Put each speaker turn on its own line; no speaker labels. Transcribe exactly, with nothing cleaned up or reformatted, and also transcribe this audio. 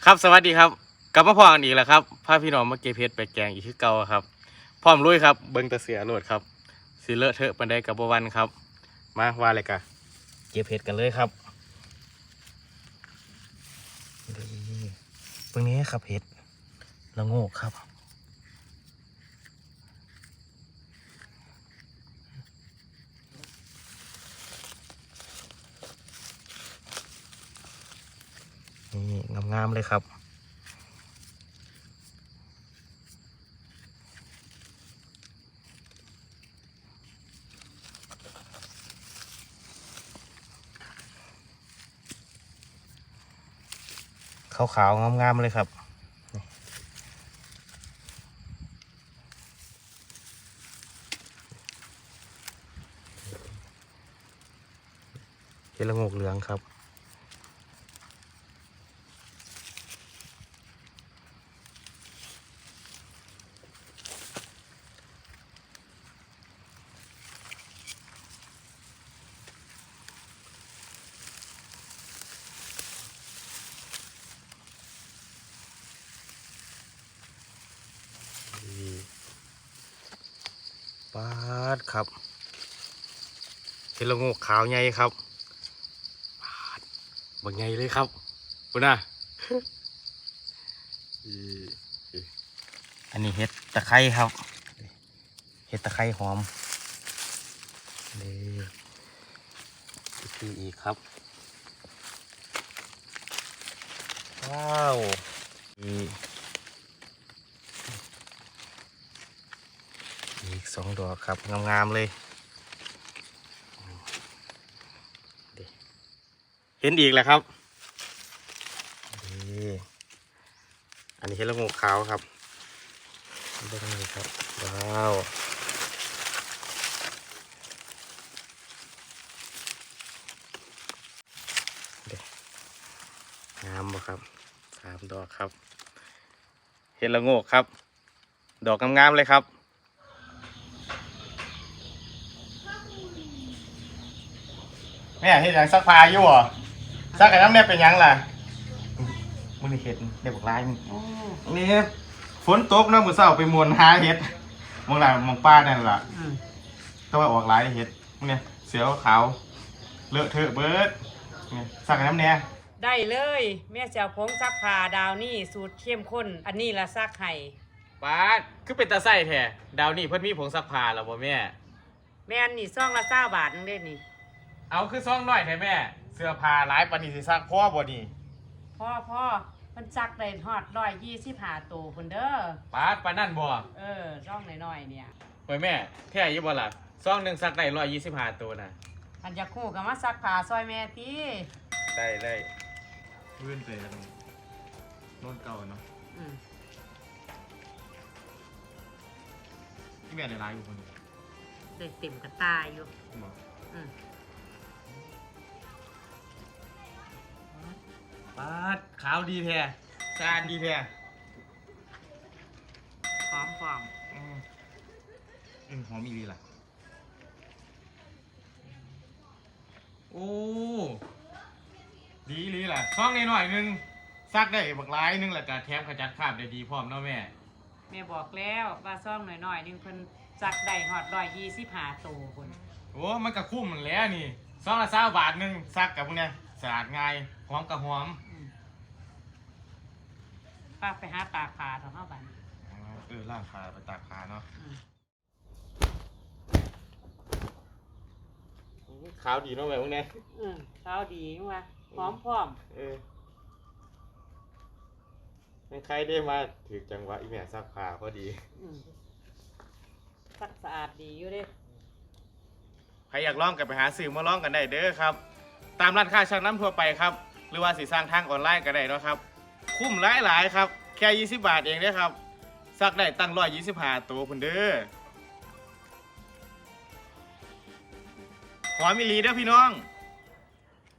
ครับสวัสดีครับกลับมาพอกันอีกแล้วครับพาพี่น้องมาเก็บเห็ดไปแกงอีกคือเก่าครับพร้อมลุยครับเบิ้งตะเสือโหลดครับสิเลอะเทอะปันไดกับบวันครับมาว่าอะไรกันเก็บเห็ดกันเลยครับนี่เบิ้งนี้ครับเห็ดละโงกครับนี่งามๆเลยครับขาวๆงามๆเลยครับเห็ดละโงกเหลืองครับปาดครับเห็ดละโงกขาวใหญ่ครับปาดบางใหญ่เลยครับคุณน่ะ อันนี้เห็ดตะไคร้ครับเห็ดตะไคร้หอมนี่อีกอีกครับว้าวอีกอีกสองดอกครับงามๆเลยเห็นอีกแล้วครับนี่อันนี้เห็ดละโงกขาวครับดูตรงนี้ครับว้าวงามบ่ครับสามดอกครับเห็ดละโงกครับดอกงามๆเลยครับแม่เห็ดอย่างซักผ้าอยู่เหรอซักไอ้น้ำเนี่ยเป็นยังล่ะมึงนี่เห็ดเด็กบอกลายมึงนี่ฝนตกนะมือเศร้าไปมวนหาเห็ดมองหลังมองป้านั่นล่ะก็ว่าออกลายเห็ดมึงเนี่ยเสือขาวเลอะเทอะเบิร์ดซักไอ้น้ำเนี่ย
ได้เลยแม่เจ้าผงซักผ้าดาวนี่สูตรเข้มข้นอันนี้ละซักไห้
ป้าคือเป็นตาไส้แท้ดาวนี่เพิ่นมีผงซักผ้าแล้วบ่แม่
แม่นนี่ซองละเก้าบาทนึงเด้นี่
เอาคือซองน้อยแท้แม่เสื้อผ้าหลายปานนี้สิซักพ่อบ่นี่
พ่อพ่อมันซักได้ฮอดร้อยยี่สิบห้าตัวคนเด้อ
ป้าปานนั่นบ่
เออซองน้อยๆเนี่ย
โอ้ยแม่แท้อยู่บ่ล่ะซองหนึ่งซักได้ร้อยยี่สิบห้าตัวน่ะ
อันจะคู่กับมาซักผ้าซอยแม่ตี
ได้ได้เพื่อนเตะกันโน่นเก่าเนาะที่แม่ในร้านอยู่คนเดียว
ได้เต็มกระตายอยู่อืม
ปาดขาวดีแท้สะอาดดีแท้
หอมหอม
อืมอืมหอมอีหลีล่ะโอ้ดีอีหลีล่ะซองนิดหน่อยนึงซักได้บักหลายนึงแล้วก็แถมขจัดคราบได้ดีพร้อมเนาะแม่
แม่บอกแล้วว่าซองน้อยๆนึงเพิ่นซักได้ฮอดร้อยยี่สิบห้าตัวคน
โอ้มันก็คุ้มมันแล้วนี่ซองละสามบาทนึงซักกับพวกเนี้ยสะอาดง่ายหอมกับหอม
ป้าไปหาตากผ้าเถอะเข้าบ้าน
เออล่างผ้าไปตากผ้าเนาะขาวดีเนาะแบบพวกนี้
อืมขาวดีว่ะหอมพร้อม
เออไม่ใครได้มาถือจังหวะอีแม่ซักผ้าพอดี
ซักสะอาดดีอยู่เด้
ใครอยากลองกันไปหาซื้อมาลองกันได้เด้อครับตามร้านค้าช่างน้ำทั่วไปครับหรือว่าสิสร้างทางออนไลน์ก็ได้เนาะครับคุ้มหลายหลายครับแค่ยี่สิบบาทเองเด้อครับซักได้ตั้งร้อยยี่สิบห้าตัวพุ่นเด้อหอมมิลีเด้อพี่น้อง